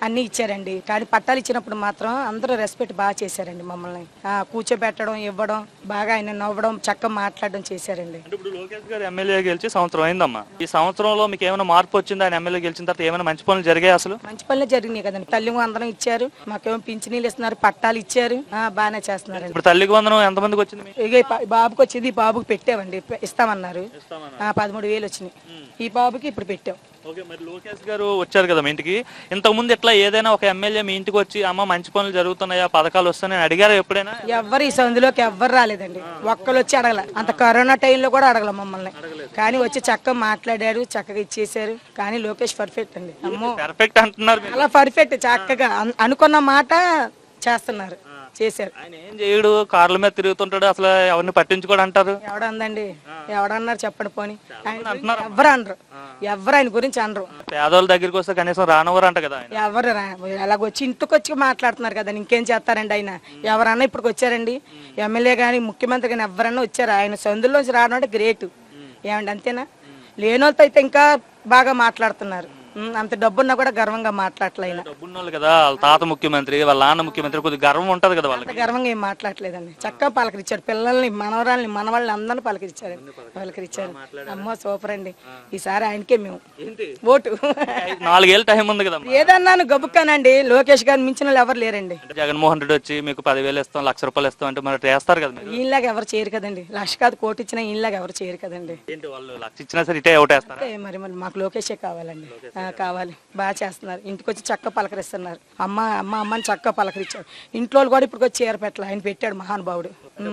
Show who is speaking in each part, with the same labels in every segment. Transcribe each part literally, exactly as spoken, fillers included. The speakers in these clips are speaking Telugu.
Speaker 1: అన్నీ ఇచ్చారండి. కానీ పట్టాలు ఇచ్చినప్పుడు మాత్రం అందరూ రెస్పెక్ట్ బాగా చేశారండి మమ్మల్ని. కూర్చోబెట్టడం, ఇవ్వడం, బాగా ఆయన నవ్వడం, చక్కగా మాట్లాడడం చేశారండి.
Speaker 2: ఇప్పుడు లోకేష్ గారు ఎమ్మెల్యే గెలిచి సంవత్సరం అయిందమ్మా. ఈ సంవత్సరంలో మీకు ఏమైనా మార్పు వచ్చింది? ఆయన ఎమ్మెల్యే గెలిచిన తర్వాత ఏమైనా మంచి పనులు జరిగాయి? అసలు
Speaker 1: మంచి పనులే జరిగినాయి కదండి. తల్లి అందరం ఇచ్చారు, మాకేమో పింఛనీళ్ళు ఇస్తున్నారు, పట్టాలు ఇచ్చారు, బాగానే చేస్తున్నారండి.
Speaker 2: ఇప్పుడు తల్లికి వందనం ఎంతమందికి వచ్చింది?
Speaker 1: ఇక బాబుకి వచ్చేది, ఈ బాబుకి పెట్టామండి, ఇస్తామన్నారు. పదమూడు వేలు వచ్చినాయి. ఈ బాబుకి ఇప్పుడు పెట్టాం.
Speaker 2: ఓకే, మరి లోకేష్ గారు వచ్చారు కదా మీ ఇంటికి. ఇంతకు ముందు ఇట్లా ఏదైనా ఒక ఎమ్మెల్యే మీ ఇంటికి వచ్చి అమ్మ మంచి పనులు జరుగుతున్నాయా, పథకాలు వస్తున్నాయని అడిగారా ఎప్పుడైనా?
Speaker 1: ఎవరు ఈ సందులోకి ఎవ్వరు రాలేదండి. ఒక్కరు వచ్చి అడగల. అంత కరోనా టైంలో కూడా అడగల మమ్మల్ని. కానీ వచ్చి చక్కగా మాట్లాడారు, చక్కగా ఇచ్చేసారు. కానీ లోకేష్ పర్ఫెక్ట్ అండి. అమ్మో
Speaker 2: పర్ఫెక్ట్ అంటున్నారు.
Speaker 1: అలా పర్ఫెక్ట్, చక్కగా అనుకున్న మాట చేస్తున్నారు, చేశారు.
Speaker 2: ఆయన ఏం చేయడు, కార్ల మీద తిరుగుతుంటాడు, అసలు ఎవరిని పట్టించుకోడు అంటారు.
Speaker 1: ఎవడందండి, ఎవడన్నారు చెప్పండి పోనీ. ఎవరు అనరు, ఎవరు ఆయన గురించి అనరు.
Speaker 2: పేదోళ్ళ దగ్గరికి వస్తే కనీసం రానవరు అంట కదా.
Speaker 1: ఎవరు అలాగొచ్చి ఇంటికి వచ్చి మాట్లాడుతున్నారు కదా, ఇంకేం చేస్తారండి ఆయన? ఎవరన్నా ఇప్పుడు వచ్చారండి ఎమ్మెల్యే కానీ ముఖ్యమంత్రి కానీ ఎవరన్నా వచ్చారు? ఆయన సందులోంచి రావడం అంటే గ్రేట్. ఏమండి అంతేనా? లేనోళ్ళతో అయితే ఇంకా బాగా మాట్లాడుతున్నారు. అంత డబ్బున్నా కూడా గర్వంగా మాట్లాడలేదు.
Speaker 2: డబ్బున్నోళ్ళు కదా, వాళ్ళ తాత ముఖ్యమంత్రి, వాళ్ళ నాన్న ముఖ్యమంత్రి, కొద్దిగా గర్వం ఉంటది కదా వాళ్ళకి.
Speaker 1: గర్వంగా ఏం మాట్లాడలేదండి. చక్కగా పలకరించారు, పిల్లల్ని, మనవరాల్ని, మనవాళ్ళని అందరిని పలకరించారు పలకరించారు అమ్మో సూపర్ అండి. ఈసారి ఆయనకే మేము ఓటు.
Speaker 2: నాలుగేళ్ళు టైం ఉంది కదా.
Speaker 1: ఏదన్నాను గబుక్కానండి, లోకేష్ గారిని మించిన వాళ్ళు ఎవరు లేరండి.
Speaker 2: జగన్మోహన్ రెడ్డి వచ్చి మీకు పదివేలు ఇస్తాం, లక్ష రూపాయలు ఇస్తాం అంటే మరి చేస్తారు కదా.
Speaker 1: ఈయనలాగా ఎవరు చేయరు కదండి. లక్ష కాదు కోటి ఇచ్చినా ఈయనలాగా ఎవరు చేయరు కదండి.
Speaker 2: ఏంటి వాళ్ళు లక్ష ఇచ్చినా సరే ఇటే ఓటేస్తారు?
Speaker 1: మరి మరి మాకు లోకేషే కావాలండి. కావాలి, బాగా చేస్తున్నారు. ఇంటికి వచ్చి చక్కగా పలకరిస్తున్నారు. అమ్మ అమ్మ అమ్మని చక్కగా పలకరించారు. ఇంట్లో కూడా ఇప్పుడు వచ్చి చీర పెట్టాలి, ఆయన పెట్టాడు మహానుభావుడు.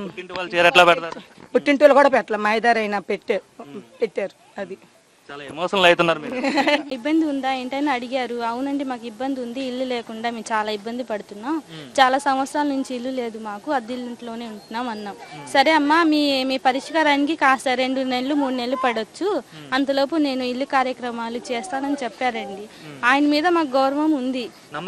Speaker 1: పుట్టింటి వాళ్ళు కూడా పెట్టాలి, మైదారైనా పెట్టారు పెట్టారు అది.
Speaker 2: చాలా ఎమోషనల్ అవుతున్నారు మీరు.
Speaker 3: ఇబ్బంది ఉందా ఏంటని అడిగారు. అవునండి మాకు ఇబ్బంది ఉంది, ఇల్లు లేకుండా మేము చాలా ఇబ్బంది పడుతున్నాం. చాలా సంవత్సరాల నుంచి ఇల్లు లేదు మాకు, అద్దె ఇంట్లోనే ఉంటున్నాం అన్నాం. సరే అమ్మా, మీ మీ పరిష్కారానికి కాస్త రెండు నెలలు మూడు నెలలు పడవచ్చు, అంతలోపు నేను ఇల్లు కార్యక్రమాలు చేస్తానని చెప్పారండి. ఆయన మీద మాకు గౌరవం ఉంది,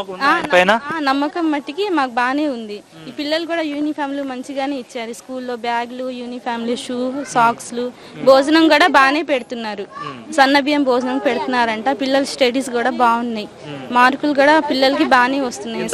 Speaker 3: నమ్మకం మట్టికి మాకు బాగానే ఉంది. ఈ పిల్లలు కూడా యూనిఫామ్లు మంచిగానే ఇచ్చారు. స్కూల్లో బ్యాగులు, యూనిఫామ్లు, షూ, సాక్స్లు, భోజనం కూడా బాగానే పెడుతున్నారు. సన్న బియ్యం భోజనం పెడుతున్నారంట. పిల్లల స్టడీస్ కూడా బాగున్నాయి, మార్కులు కూడా పిల్లలకి బాగానే వస్తున్నాయి.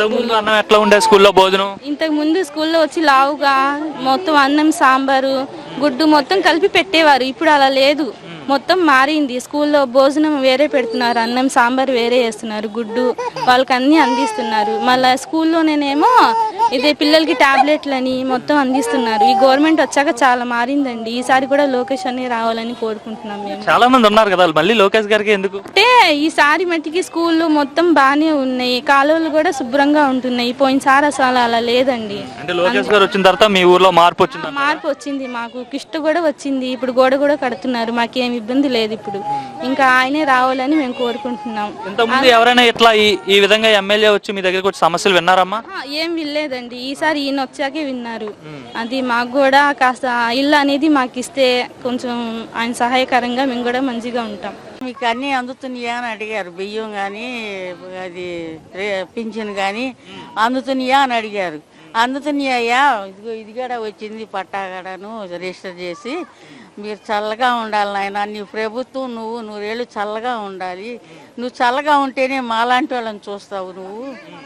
Speaker 3: ఇంతకు ముందు స్కూల్లో వచ్చి లావుగా మొత్తం అన్నం, సాంబారు, గుడ్డు మొత్తం కలిపి పెట్టేవారు. ఇప్పుడు అలా లేదు, మొత్తం మారింది. స్కూల్లో భోజనం వేరే పెడుతున్నారు, అన్నం సాంబార్ వేరే వేస్తున్నారు, గుడ్డు వాళ్ళకి అన్ని అందిస్తున్నారు. మళ్ళీ స్కూల్లోనేమో ఇదే పిల్లలకి టాబ్లెట్లని మొత్తం అందిస్తున్నారు. ఈ గవర్నమెంట్ వచ్చాక చాలా మారిందండి. ఈసారి కూడా లోకేష్ అన్ని రావాలని కోరుకుంటున్నాం మేము.
Speaker 2: చాలా మంది ఉన్నారు కదా, మళ్ళీ లోకేష్ గారికి ఎందుకు
Speaker 3: అంటే ఈసారి మట్టికి స్కూళ్ళు మొత్తం బాగానే ఉన్నాయి, కాలువలు కూడా శుభ్రంగా ఉంటున్నాయి. పోయినసారి అసలు అలా లేదండి.
Speaker 2: అంటే లోకేష్ గారు వచ్చిన తర్వాత మీ ఊర్లో మార్పు వచ్చింది?
Speaker 3: మార్పు వచ్చింది, మాకు కిష్ట కూడా వచ్చింది. ఇప్పుడు గోడ కూడా కడుతున్నారు, మాకేమి ఇబ్బంది లేదు. ఇప్పుడు ఇంకా ఆయనే రావాలని మేము కోరుకుంటున్నాం.
Speaker 2: ఇంతకుముందు ఎవరైనా ఇట్లా ఈ విధంగా ఎమ్మెల్యే వచ్చి మీ దగ్గరకు వచ్చి సమస్యలు విన్నారమ్మా?
Speaker 3: ఏం వినలేదండి, ఈసారి ఈయన వచ్చాకే విన్నారు. అది మాకు కూడా కాస్త ఇల్లు అనేది మాకు ఇస్తే కొంచెం ఆయన సహాయకరంగా మేము కూడా మంచిగా ఉంటాం.
Speaker 4: మీకు అన్నీ అందుతున్నాయా అని అడిగారు. బియ్యం కానీ అది పింఛన్ కానీ అందుతున్నాయా అని అడిగారు. అందుతున్నాయా, ఇదిగో ఇది కూడా వచ్చింది, పట్టాగడను రిజిస్టర్ చేసి మీరు చల్లగా ఉండాలి నాయన, నీ ప్రభుత్వం నువ్వు నూరేళ్ళు చల్లగా ఉండాలి, నువ్వు చల్లగా ఉంటేనే మాలాంటి వాళ్ళని చూస్తావు నువ్వు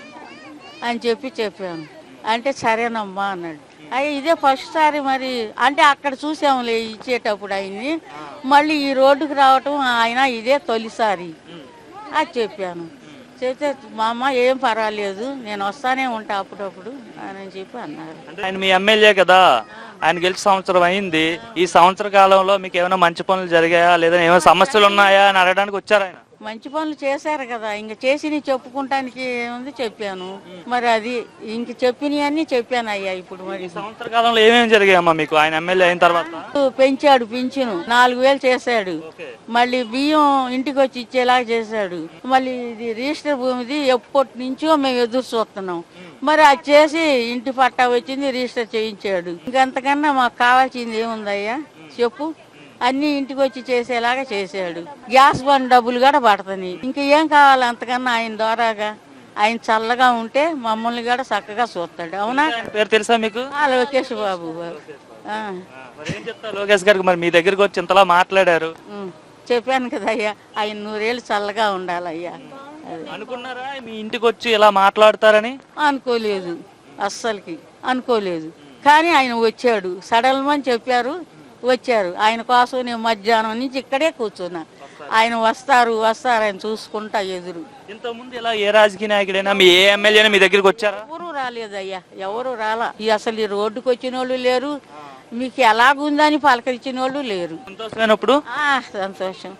Speaker 4: అని చెప్పి చెప్పాను. అంటే సరేనమ్మా అన్నాడు. అయ్యా ఇదే ఫస్ట్ సారి మరి, అంటే అక్కడ చూసాములే ఇచ్చేటప్పుడు ఆయన్ని, మళ్ళీ ఈ రోడ్డుకు రావటం ఆయన ఇదే తొలిసారి అది చెప్పాను. చెప్తే మా అమ్మ ఏం పర్వాలేదు, నేను వస్తానే ఉంటా అప్పుడప్పుడు అని చెప్పి అన్నారు.
Speaker 2: ఆయన మీ ఎమ్మెల్యే కదా, ఆయన గెలిచి సంవత్సరం అయింది. ఈ సంవత్సర కాలంలో మీకు ఏమైనా మంచి పనులు జరిగాయా, లేదా ఏమైనా సమస్యలు ఉన్నాయా అని అడగడానికి వచ్చారు ఆయన?
Speaker 4: మంచి పనులు చేశారు కదా, ఇంక చేసి చెప్పుకుంటానికి ఏముంది చెప్పాను. మరి అది ఇంక చెప్పినవి అన్ని చెప్పాను అయ్యా. ఇప్పుడు మరి
Speaker 2: సంవత్సర కాలంలో ఏమేమి జరిగాయమ్మా మీకు ఆయన ఎమ్మెల్యే అయిన తర్వాత?
Speaker 4: పెంచాడు, పింఛను నాలుగు వేలు చేశాడు, మళ్ళీ బియ్యం ఇంటికి వచ్చి ఇచ్చేలాగా చేశాడు. మళ్ళీ ఇది రిజిస్టర్ భూమిది ఎప్పటి నుంచో మేము ఎదురు చూస్తున్నాం. మరి అది చేసి ఇంటి పట్టా వచ్చింది, రిజిస్టర్ చేయించాడు. ఇంకంతకన్నా మాకు కావాల్సింది ఏముందయ్యా చెప్పు? అన్ని ఇంటికి వచ్చి చేసేలాగా చేశాడు. గ్యాస్ బండ్ డబ్బులు కూడా పడతాయి. ఇంకా ఏం కావాలి అంతకన్నా ఆయన ద్వారాగా? ఆయన చల్లగా ఉంటే మమ్మల్ని కూడా చక్కగా చూస్తాడు. అవునా?
Speaker 2: పేరు తెలుసా మీకు?
Speaker 4: లోకేష్ బాబు.
Speaker 2: లోకేష్ గారికి మరి మీ దగ్గరికి వచ్చి ఇంతలా మాట్లాడారు.
Speaker 4: చెప్పాను కదా అయ్యా, ఆయన నూరేళ్ళు చల్లగా ఉండాలయ్యా.
Speaker 2: అనుకున్నారా మీ ఇంటికి వచ్చి ఇలా మాట్లాడతారని?
Speaker 4: అనుకోలేదు, అస్సలకి అనుకోలేదు. కానీ ఆయన వచ్చాడు, సడల్మని చెప్పారు, వచ్చారు. ఆయన కోసం నేను మధ్యాహ్నం నుంచి ఇక్కడే కూర్చున్నా. ఆయన వస్తారు వస్తారు ఆయన చూసుకుంటా ఎదురు.
Speaker 2: ఇంతకుముందు ఇలా ఏ రాజకీయ నాయకుడైనా మీ ఏ ఎమ్మెల్యేనా మీ దగ్గరికి వచ్చారా?
Speaker 4: ఎవరు రాలేదయ్యా, ఎవరు రాలా. ఈ అసలు ఈ రోడ్డుకు వచ్చిన వాళ్ళు లేరు, మీకు ఎలాగుందని పలకరించిన వాళ్ళు లేరు.
Speaker 2: సంతోషమైనప్పుడు
Speaker 4: ఆ, సంతోషం.